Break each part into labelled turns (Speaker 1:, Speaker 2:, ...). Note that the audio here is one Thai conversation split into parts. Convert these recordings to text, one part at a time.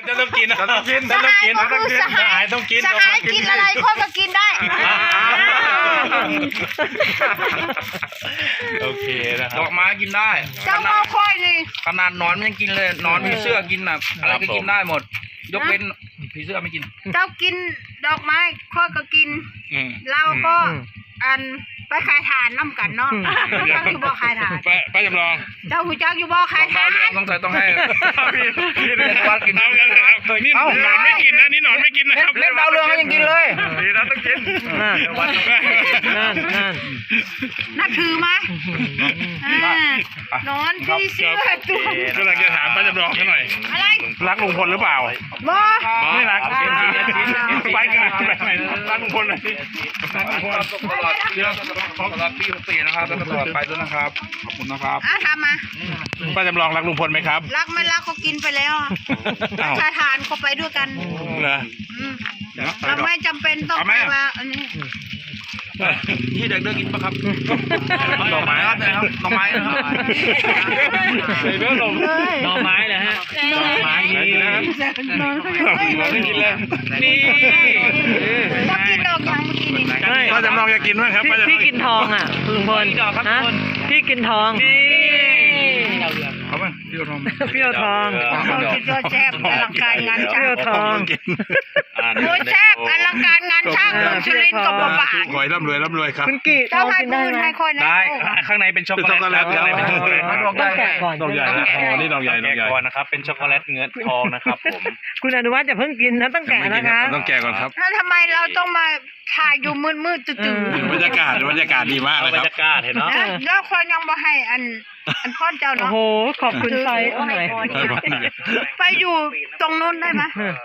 Speaker 1: จะต้องกินต้องกิน
Speaker 2: สหายต้องกินสหายกินอะไรค่อยก็กินได้
Speaker 1: โอเคนะครับ
Speaker 3: ดอกไม้กินได้
Speaker 2: เจ้ามาค่อยนี่
Speaker 3: ขนาดนอนมันยังกินเลยนอนผีเสื้อกินน่ะอะไรก็กินได้หมด ยกเว้นผีเสื้อไม่กิน
Speaker 2: เจ้ากินดอกไม้ค่อยก็กินเราก็อันไปขายฐานน้ำกันเนาะเจ้าอยู่บ่ขายฐาน
Speaker 1: ไปจำลอง
Speaker 2: เจ้าหูจักอยู่บ่ขายฐาน
Speaker 3: ต้องให้วัดกิน
Speaker 1: น้ำกันนะครับนี่นอนไม่กินนะนี่นอนไม่กินนะครับ
Speaker 3: เล่นดาวเรืองก็ยังกินเลย
Speaker 1: ดีนะต้องกินนั่น
Speaker 2: นับถือไหมนอนที่เสื้อตัว
Speaker 1: กำลังจะถามป้าจำลองเขาหน่อย
Speaker 2: อะไร
Speaker 1: รักลุงพลหรือเปล่า
Speaker 2: บ่
Speaker 1: ไม่รักไปกันรักลุงพลหน่อยสิรักลุงพล
Speaker 3: ตลอดปี64นะครับแล้วก็ตลอดไปด้วยนะครับขอบคุณนะครับ
Speaker 2: ทำมา
Speaker 1: ป้าจำลองรักลุงพลไหมครับ
Speaker 2: รักไม่รักเขากินไปแล้วชายทานเขาไปด้วยกัน
Speaker 1: เหรอ
Speaker 2: เราไม่จำเป็นต้องไปว่าอันนี้
Speaker 3: ที่เด็กกินปะครับดอกไม้ครับนะครับดอกไม้นะครับ
Speaker 1: หน่อไม้เหรอฮะหน่อไม้นี่นะครับไม่กินเลยนี่
Speaker 2: ต้องกินดอกยางเมื่อกี้นี้
Speaker 1: ป้าจำลองจะกินไหมครับ
Speaker 4: พี่กินทองอ่ะลุงพลฮะพี่กินทอง
Speaker 3: เอาไหมพี่ทอง
Speaker 4: เปรี้ยวทอง
Speaker 2: เขาคิดว่าแซ่บอลังการงาน
Speaker 4: เป
Speaker 2: ช่า
Speaker 4: รี้ยว
Speaker 2: ง
Speaker 4: ทอง
Speaker 2: โอ้ยแซ่บอลังการงานช่างคนสุรินทร์กับบ่า
Speaker 1: ขอให้ร่ำรวยครับ
Speaker 4: คุณกี่ท
Speaker 2: เจ้า
Speaker 4: อง
Speaker 2: ให้
Speaker 4: กินได้
Speaker 2: พื้น
Speaker 4: ไหม
Speaker 2: ให้คนนะ
Speaker 5: ได้ข้างในเป็นช็อกโกแลตครับข้างในเป็นช็อกโกแลต
Speaker 4: ต้องแกะก่อน
Speaker 1: ดอกใหญ่นะอ๋อนี่ดอกใหญ่
Speaker 5: แกะก่อนนะครับเป็นช็อกโกแลตเงินทองนะครับผม
Speaker 4: คุณอนุวัฒน์อย่าเพิ่งกินนะต้องแกะนะคะ
Speaker 1: ต้องแกะก่อนครับ
Speaker 2: ถ้าทำไมเราต้องมาถ่ายอยู่มืดๆตื่น
Speaker 1: บรรยากาศดีมาก
Speaker 5: เอา
Speaker 1: เลย
Speaker 5: บร
Speaker 1: ค
Speaker 5: ร
Speaker 1: รับ
Speaker 5: ยากาศเห็นเนาะ
Speaker 2: ๆนะแล้วคนยังบ่ให้อันพ่อเจ้า
Speaker 4: โอ้
Speaker 2: เนาะ
Speaker 4: โหขอบคุณไฟเอาหน่อย
Speaker 2: ไปอยู่ตรงนู้นได้ไหม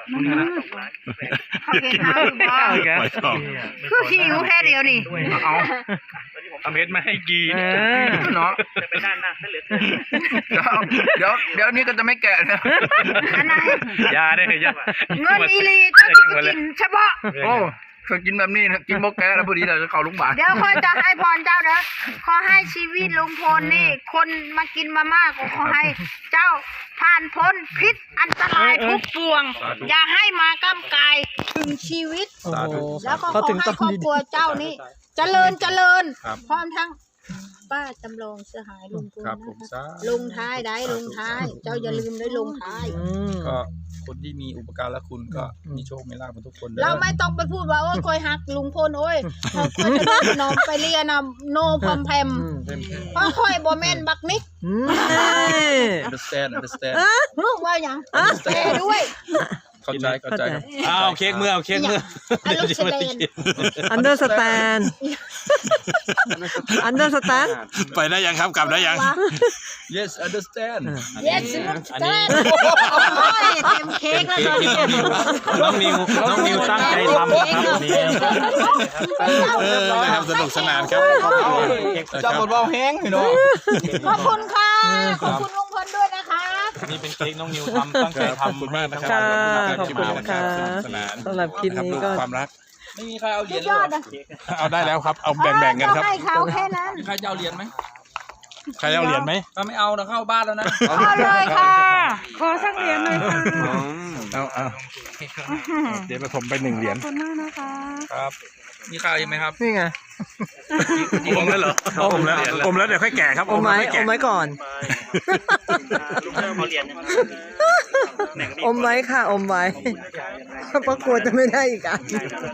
Speaker 2: เขาเห็นเอาอยู่บ่
Speaker 1: ไว้ก่อน
Speaker 2: คือหิวแค่เดียวนี่
Speaker 3: เอา
Speaker 5: ทำเพชรมาให้กี
Speaker 4: เออ
Speaker 3: เนาะ
Speaker 5: จะไปด้านหน้าเหลือ
Speaker 3: เดี๋ยวนี้ก็จะไม่แกะนะ
Speaker 2: อันไหน
Speaker 5: ยาได้เลยยา
Speaker 2: เงินอีลีเจ้าจะกินเฉพาะ
Speaker 3: โอ้เคยกินแบบนี้นะกินโมแกะแล้วพอดีเราจะเข้าโรงพยาบาล
Speaker 2: เดี๋ยวค่อยจะให้พรเจ้าเด้อขอให้ชีวิตลุงพลนี่ คนมากินมาม่าก็ขอให้เจ้าผ่านพ้นพิษอันตรายทุกปวง อย่าให้มาก้ำกายถึงชีวิต
Speaker 4: โอ้โห
Speaker 2: แล้วก็ข
Speaker 4: เขา
Speaker 2: อ
Speaker 4: ถึง
Speaker 2: ให้
Speaker 4: ต้อง
Speaker 2: ครอบ
Speaker 4: ดี
Speaker 2: ครัวเจ้านี่เจริญพร้อมทั้งป้าจำลองเสหายลุงพล
Speaker 3: ครับ
Speaker 2: นะ
Speaker 3: ผม
Speaker 2: คะ
Speaker 3: ซะ
Speaker 2: ลงท้ายได้ลงท้าย เจ้าอย่าลืมได้ลงท้าย
Speaker 4: อืม
Speaker 3: ก็คนที่มีอุปการะคุณก็มีโชคมีลาภทุกคนเด้
Speaker 2: เรา
Speaker 3: อ
Speaker 2: ไม่ต้องไปพูดว่าโอ้ยคอยหักลุงพลโอ้ยเขาคอยจะนอมไปเรียนโนพอมแพมเพราะคอยบ่แม่นบักนิก
Speaker 4: อืม
Speaker 3: understand
Speaker 2: ลูกว่าอย่างแกด้วย
Speaker 3: เข้าใจครับ
Speaker 5: เอาเค้กเมื่อเอาเค้กเมื่อ
Speaker 2: อันลูกแสดง
Speaker 4: อันเดอร์สแตนอันเดอร์สแตน
Speaker 1: ไปได้ยังครับกลับได้ยัง
Speaker 3: yes understand
Speaker 2: yes ลูกแสดงโอ้ยเต็มเค้กแล้วตอนนี้
Speaker 5: น้องนิวตั้งใจทำนะครับนี่
Speaker 1: นะครับสนุกสนานครับ
Speaker 3: จะหมดว่าแห้งพี่น้อง
Speaker 2: ขอบคุณค่ะขอบคุณลุงพลด้วยนะคะ
Speaker 5: นี่เป็นเค้กน้องนิวทำตั้งใจ
Speaker 1: ขอบ
Speaker 5: ทำ
Speaker 1: คุณมากนะครั
Speaker 4: ค่ะ
Speaker 1: บ
Speaker 4: ขอบคุณค่ะ
Speaker 1: สนุกสนาน
Speaker 4: สำหรับคลิปนี้ก็
Speaker 1: ความรัก
Speaker 3: ไม่มีใครเอาเหรี
Speaker 2: สุ
Speaker 3: ยญ
Speaker 2: ดยอดอ่ะ
Speaker 1: เอาได้แล้วครับ เอาแบ่งๆกันครับ
Speaker 2: ให้เขาแค่นั้น
Speaker 3: ใครจะเอาเหรียญไหม
Speaker 1: ใครเอาเหรียญไหม
Speaker 3: ถ้าไม่เอาเราเข้าบ้านแล้วนะ
Speaker 2: เอาเลยค่ะ ขอสักเหรียญหน่อยค่ะ
Speaker 1: เอาเดี๋ยวผมไป1 เหรียญ
Speaker 2: ขอบคุณมากนะคะ
Speaker 3: ครับมีใครไหมครับ
Speaker 4: นี่ไง
Speaker 1: อมแล้วเหรออมแล้วเดี๋ยวค่อยแก่ครับ
Speaker 4: อมไว้
Speaker 1: แล้วค่ย
Speaker 4: อ
Speaker 1: แกะ
Speaker 4: มไว้ก่อน อมไว้ค่ะอมไว้เพราะกลัวจะไม่ได้อีกอ่ะ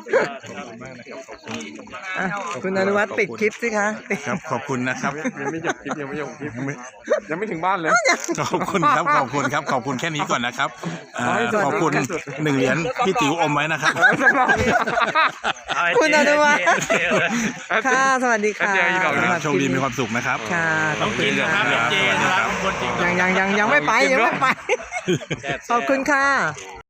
Speaker 4: คุณอนุวัฒน์ปิดคลิปสิคะปิด
Speaker 1: ครับขอบคุณนะครับ
Speaker 6: ยังไม่จบคลิปยังไม่ถึงบ้านเลย
Speaker 1: ขอบคุณครับขอบคุณแค่นี้ก่อนนะครับขอบคุณ1 เหรียญพี่ติ๋วอมไว้นะครับ
Speaker 4: คุณอนุวัฒน์ค่ะสวัสดีค่ะ
Speaker 1: โชคดีมีความสุขนะครับ
Speaker 4: ค่ะขอบคุณ
Speaker 1: ค
Speaker 4: ค่ะ
Speaker 1: รับสวัสดีครับ
Speaker 4: ยังไม่ไปยังไม่ไปขอบคุณค่ะ